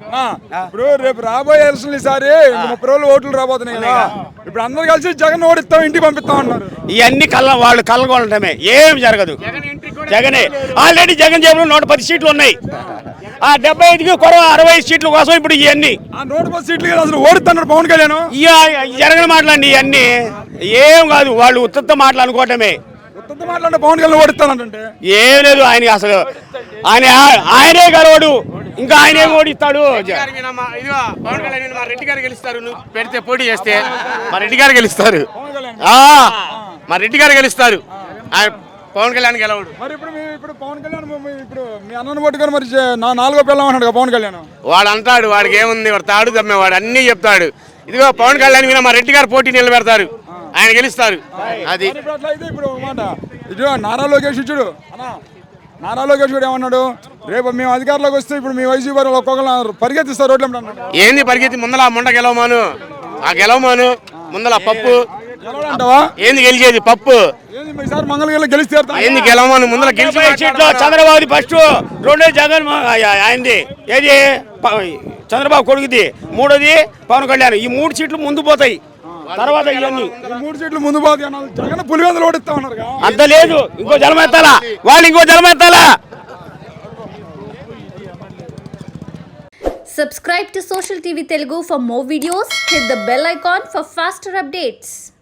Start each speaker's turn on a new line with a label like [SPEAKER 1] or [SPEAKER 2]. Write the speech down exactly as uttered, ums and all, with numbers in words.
[SPEAKER 1] ఇప్పుడు రేపు రాబోయే ఎలక్షన్ ఈసారి ముప్పై రోజులు ఓట్లు రాబోతున్నాయి కదా, ఇప్పుడు అందరు కలిసి జగన్ ఓడిస్తాం ఇంటికి పంపిస్తాం అన్నారు.
[SPEAKER 2] ఇవన్నీ కళ్ళ వాళ్ళు కళ్ళగొనటమే, ఏం జరగదు. జగనే ఆల్రెడీ జగన్ జేబులో నూట పది సీట్లు ఉన్నాయి. ఆ డెబ్బై ఐదుకి కొరవ అరవై సీట్ల కోసం ఇప్పుడు ఇవన్నీ
[SPEAKER 1] నూట పది సీట్లు అసలు ఓడిస్తున్నారు పవన్ కళ్యాణ్.
[SPEAKER 2] జరగని మాటలండి ఇవన్నీ, ఏం కాదు. వాళ్ళు ఉత్తత్త మాటలు అనుకోవటమే.
[SPEAKER 1] ఉత్తత్త మాటలంటే పవన్ కళ్యాణ్ ఓడిస్తానంటే
[SPEAKER 2] ఏం లేదు. ఆయన అసలు ఆయన ఆయనే గెలవడు, ఇంకా ఆయనే ఓడిస్తాడు.
[SPEAKER 3] పవన్ కళ్యాణ్ మా రెడ్డి గారు గెలుస్తారు. నువ్వు పెడితే పోటీ చేస్తే మా రెడ్డి గారు గెలుస్తారు. మా రెడ్డి గారు గెలుస్తారు. ఆయన పవన్ కళ్యాణ్ గెలవడు.
[SPEAKER 1] మరి ఇప్పుడు ఇప్పుడు పవన్ కళ్యాణ్ ఇప్పుడు మీ అన్నను పట్టుకొని మరి నా నాలుగో పిల్లం అన్నాడు పవన్ కళ్యాణ్.
[SPEAKER 3] వాడు అంటాడు, వాడికి ఏముంది, వాడు తాడు తమ్మేవాడు అన్నీ చెప్తాడు. ఇదిగో పవన్ కళ్యాణ్ మీద మా రెడ్డి గారు పోటీ నిలబెడతారు, ఆయన గెలుస్తారు. అది
[SPEAKER 1] ఇప్పుడు మాట ఇదిగో నారా లోకేష్ ఇచ్చుడు అన్నా, నారా లోకేష్ కూడా ఏమన్నాడు, రేపు మేము అధికారంలోకి వస్తే ఇప్పుడు మీ వైసీపీ వారు ఒక్కొక్కరు పరిగెత్తిస్తారు రోడ్లు అన్నాడు.
[SPEAKER 3] ఏంది పరిగెత్తి ముందల ముండ గెలవమాను, ఆ గెలవమాను ముందల పప్పు ఏంది గెలిచేది పప్పు ఏంది గెలవమాను ముందల గెలిచి
[SPEAKER 2] చంద్రబాబు ఫస్ట్, రెండో జగన్ ఆయనది, ఏది చంద్రబాబు కొడుకుది, మూడోది పవన్ కళ్యాణ్. ఈ మూడు సీట్లు ముందు పోతాయి. తర్వాత ఇవన్నీ
[SPEAKER 1] మూడు సీట్లు ముందు పోతాయి. జగన్ పులివెందులు ఓడిస్తా ఉన్నారు.
[SPEAKER 2] అంత లేదు, ఇంకో జలం ఎత్తాలా వాళ్ళు, ఇంకో జలం ఎత్తాలా.
[SPEAKER 4] Subscribe to Social T V Telugu for more videos. Hit the bell icon for faster updates.